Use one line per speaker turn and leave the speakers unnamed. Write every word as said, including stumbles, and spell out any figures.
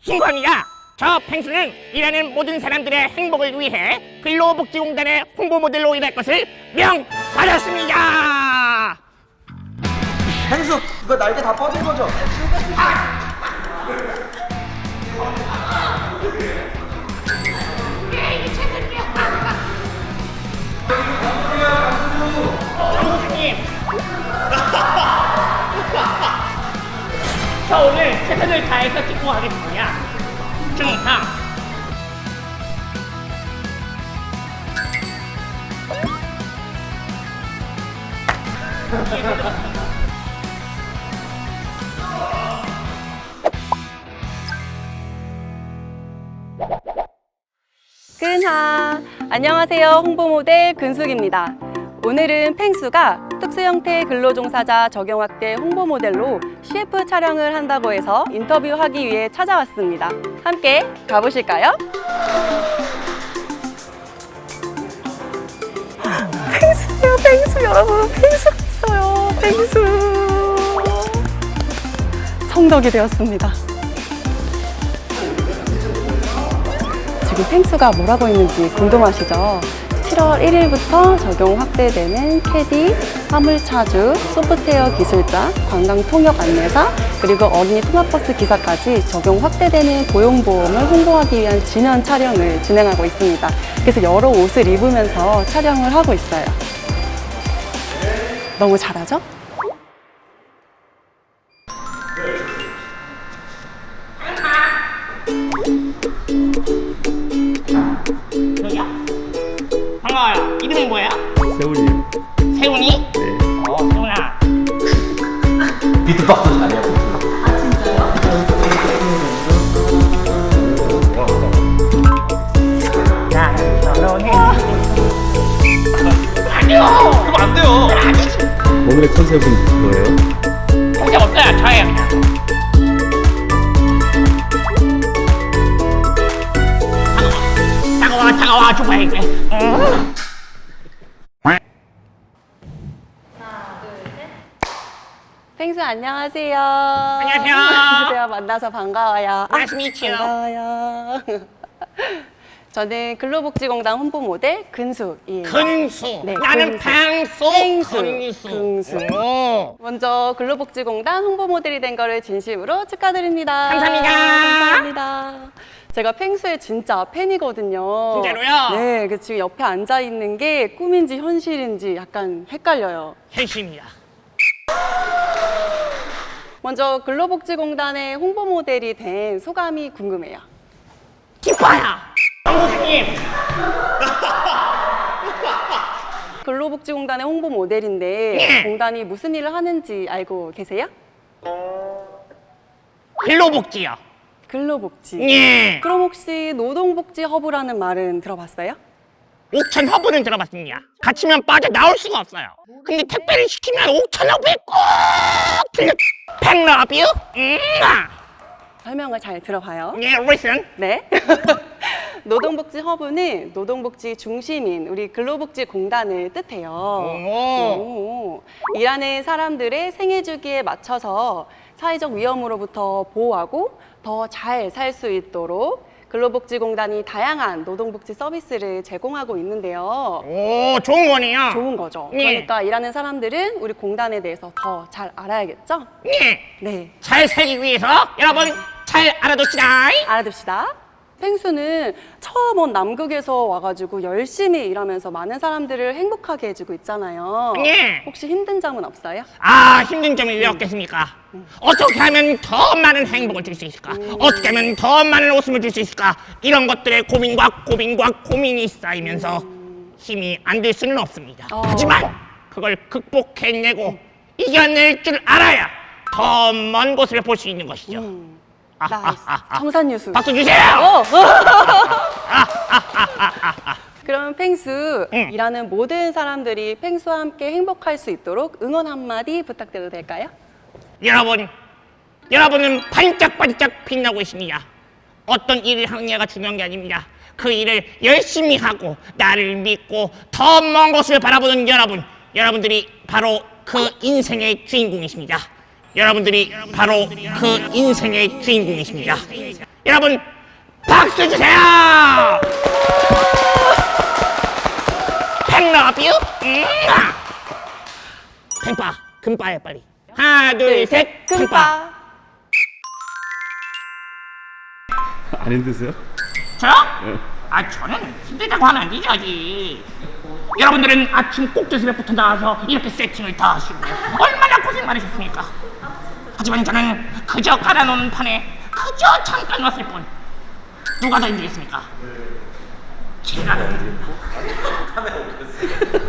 신고합니다. 저 펭수는 일하는 모든 사람들의 행복을 위해 근로복지공단의 홍보 모델로 일할 것을 명받았습니다.
펭수, 이거 날개 다 뻗은 거죠?
장군님, 저 오늘 최선을 다해서 찍고 가겠습니다. 중상.
근하! 안녕하세요. 홍보모델 근숙입니다. 오늘은 펭수가 특수형태 근로종사자 적용학대 홍보모델로 씨에프 촬영을 한다고 해서 인터뷰하기 위해 찾아왔습니다. 함께 가보실까요? 펭수요, 펭수 여러분, 펭수가 있어요. 펭수. 성덕이 되었습니다. 지금 펭수가 뭐라고 있는지 궁금하시죠? 칠월 일일부터 적용 확대되는 캐디, 화물차주, 소프트웨어 기술자, 관광통역 안내사, 그리고 어린이 통합버스 기사까지 적용 확대되는 고용보험을 홍보하기 위한 진연 촬영을 진행하고 있습니다. 그래서 여러 옷을 입으면서 촬영을 하고 있어요. 너무 잘하죠?
여기야? 반가워요. 이름이 뭐예요?
세훈이요.
세훈이?
네.
어, 세훈아.
비트박스 잘해요.
나는 결혼해. 아니요!
그럼 안 돼요.
오늘의 컨셉은 뭐예요?
공작 없어요. 저예요, 그냥. 차가워, 차가워, 죽어야겠네. 음.
펭수 안녕하세요.
안녕하세요.
안녕하세요. 만나서 반가워요.
Nice to meet you.
반가워요. 저는 근로복지공단 홍보 모델 근숙이에요.
근수.
네,
나는
근수.
펭수.
펭수.
근수.
근수.
오.
먼저 근로복지공단 홍보 모델이 된 거를 진심으로 축하드립니다.
감사합니다.
감사합니다. 제가 펭수의 진짜 팬이거든요.
진짜로요?
네, 그 지금 옆에 앉아 있는 게 꿈인지 현실인지 약간 헷갈려요.
현실입니다.
먼저 근로복지공단의 홍보 모델이 된 소감이 궁금해요.
기뻐요. 장군님.
근로복지공단의 홍보 모델인데
네.
공단이 무슨 일을 하는지 알고 계세요?
근로복지요.
근로복지.
예.
그럼 혹시 노동복지 허브라는 말은 들어봤어요?
옥천 허브는 들어봤습니다. 갇히면 빠져 나올 수가 없어요. 근데 택배를 시키면 옥천 허브에 꼭 들려. 팽러뷰? 음.
설명을 잘 들어봐요.
예, listen.
네. 노동복지 허브는 노동복지 중심인 우리 근로복지공단을 뜻해요.
오.
오. 일하는 사람들의 생애주기에 맞춰서 사회적 위험으로부터 보호하고 더 잘 살 수 있도록 근로복지공단이 다양한 노동복지 서비스를 제공하고 있는데요.
오, 좋은 거네요.
좋은 거죠.
네.
그러니까 일하는 사람들은 우리 공단에 대해서 더 잘 알아야겠죠?
예.
네.
잘 살기 위해서 여러분 잘 알아둡시다.
알아둡시다. 펭수는 처음 온 남극에서 와가지고 열심히 일하면서 많은 사람들을 행복하게 해주고 있잖아요.
예.
혹시 힘든 점은 없어요?
아, 힘든 점이 왜 없겠습니까? 어떻게 하면 더 많은 행복을 줄 수 있을까? 어떻게 하면 더 많은 웃음을 줄 수 있을까? 이런 것들의 고민과 고민과 고민이 쌓이면서 힘이 안 될 수는 없습니다.
어.
하지만 그걸 극복해내고 이겨낼 줄 알아야 더 먼 곳을 볼 수 있는 것이죠.
음,
아,
나이스.
아, 아, 아.
청산유수.
박수 주세요!
어. 그럼 펭수,
응.
일하는 모든 사람들이 펭수와 함께 행복할 수 있도록 응원 한마디 부탁드려도 될까요?
여러분, 여러분은 반짝반짝 빛나고 있습니다. 어떤 일을 하느냐가 중요한 게 아닙니다. 그 일을 열심히 하고 나를 믿고 더 먼 곳을 바라보는 여러분, 여러분들이 바로 그 인생의 주인공이십니다. 여러분들이 바로 그 인생의 주인공이십니다. 여러분 박수 주세요. 팽러뷰 팽빠 금빠에 빨리 하나 둘 셋 팽빠.
안 힘드세요?
저요? 아 저는 힘들다고 하면 안 되지 아직. 여러분들은 아침 꼭두새벽부터 나와서 이렇게 세팅을 다 하시고 얼마나 고생 많으셨습니까? 하지만 저는 그저 깔아놓은 판에 그저 잠깐 왔을 뿐. 누가 더 힘들겠습니까? 제가 더 힘듭니다.